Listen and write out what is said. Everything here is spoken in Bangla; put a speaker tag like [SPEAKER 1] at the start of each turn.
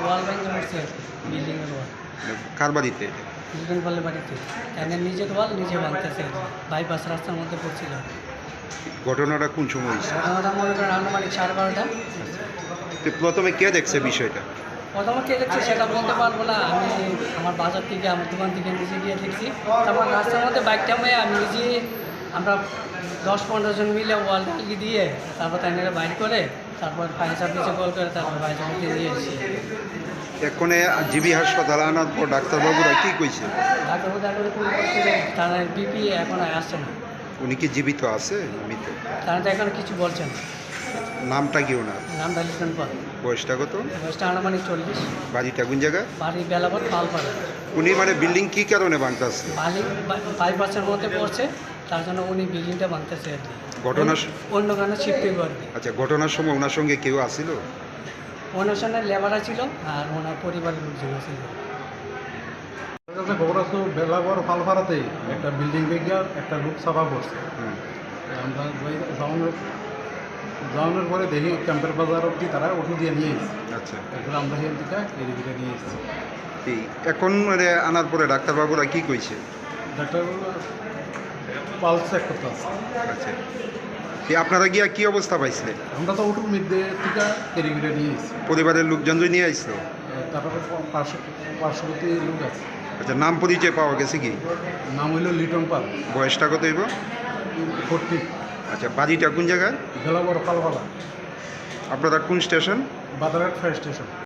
[SPEAKER 1] ওয়াল ভেঙে পড়ছে, বিল্ডিংয়ের ওয়াল।
[SPEAKER 2] কার বাড়িতে?
[SPEAKER 1] দুজন বলে বাড়িতে তাদের নিজের ওয়াল নিজে ভাঙতেছে, বাইপাস রাস্তার মধ্যে পড়ছিল।
[SPEAKER 2] ঘটনাটা কোন সময় হয়েছে?
[SPEAKER 1] ঘটনাটা মনে করেন আনুমানিক 12:30টা।
[SPEAKER 2] তো প্রথমে কে দেখছে বিষয়টা?
[SPEAKER 1] প্রথমে কে দেখছি সেটা বলতে পারবো না, আমি আমার বাজার থেকে আমার দোকান থেকে নিজে গিয়ে দেখছি। তারপর রাস্তার মধ্যে বাইকটা হয়ে আমি নিজে, আমরা 10-15 জন মিলে ওয়াল লাগিয়ে দিয়ে তারপর তাদের বাইর করে তারপর ফায়ার সার্ভিসে কল করে তারপর ফায়ার সার্ভিসে নিয়ে এসেছি।
[SPEAKER 2] এক্ষণে জিবি হাসপাতালে আনার পর ডাক্তারবাবুরা কি কইছে?
[SPEAKER 1] ডাক্তারবাবু ডাক্তার ফোন করছিল, তারা বিপি এখন আসছে না,
[SPEAKER 2] উনি কি জীবিত আছে? মৃত?
[SPEAKER 1] তারা তো এখন কিছু বলছেন।
[SPEAKER 2] নামটা কি ওনার?
[SPEAKER 1] নামটা লিখবেন পর।
[SPEAKER 2] বয়সটা কত?
[SPEAKER 1] বয়সটা আনুমানিক 40।
[SPEAKER 2] বাড়িটা কোন জায়গায়?
[SPEAKER 1] বাড়ি বেলাবত পালপাড়া।
[SPEAKER 2] উনি মানে বিল্ডিং কি কারণে ভাঙতেছে?
[SPEAKER 1] বালি বাইপাসের মধ্যে পড়ছে, তার জন্য উনি বিল্ডিংটা ভাঙতেছে আর কি।
[SPEAKER 2] ঘটনার
[SPEAKER 1] অন্য কারণে শিফটিং করবে।
[SPEAKER 2] আচ্ছা, ঘটনার সময় ওনার সঙ্গে কেউ আসিল?
[SPEAKER 1] অনুষ্ঠানের লেবাররা ছিল আর ওনার পরিবারের লোকজন ছিল।
[SPEAKER 3] খবর আছে বেলাগড় পালপাড়াতে একটা বিল্ডিং ভেঙে একটা লোক চাপা পড়ছে। আমরা যাওয়ানোর পরে দেখি ক্যাম্পের বাজার অব্দি তারা ওষুধ দিয়ে নিয়ে এসেছি।
[SPEAKER 2] আচ্ছা,
[SPEAKER 3] এরপরে আমরা হেন থেকে এদিকে নিয়ে এসেছি।
[SPEAKER 2] এখন মানে আনার পরে ডাক্তারবাবুরা কি কইছে?
[SPEAKER 3] ডাক্তার পালস চেক করতে আসছে।
[SPEAKER 2] আচ্ছা, আপনারা গিয়া কি অবস্থা পাইছিলেন?
[SPEAKER 3] আমরা তো ওটুর মধ্যে থেকে এদিকে নিয়ে এসেছি।
[SPEAKER 2] পরিবারের লোকজন নিয়ে আসছিল?
[SPEAKER 3] তারপরে পার্শ্ববর্তী লোক আছে।
[SPEAKER 2] আচ্ছা, নাম পরিচয় পাওয়া গেছে কি?
[SPEAKER 3] নাম হইল লিটন পাল,
[SPEAKER 2] বয়সটা কত হইব?
[SPEAKER 3] 40।
[SPEAKER 2] আচ্ছা, বাড়িটা কোন জায়গায়?
[SPEAKER 3] বেলাগড় পালপাড়া,
[SPEAKER 2] আপনারা কোন স্টেশন?
[SPEAKER 3] বাদারঘাট fire station.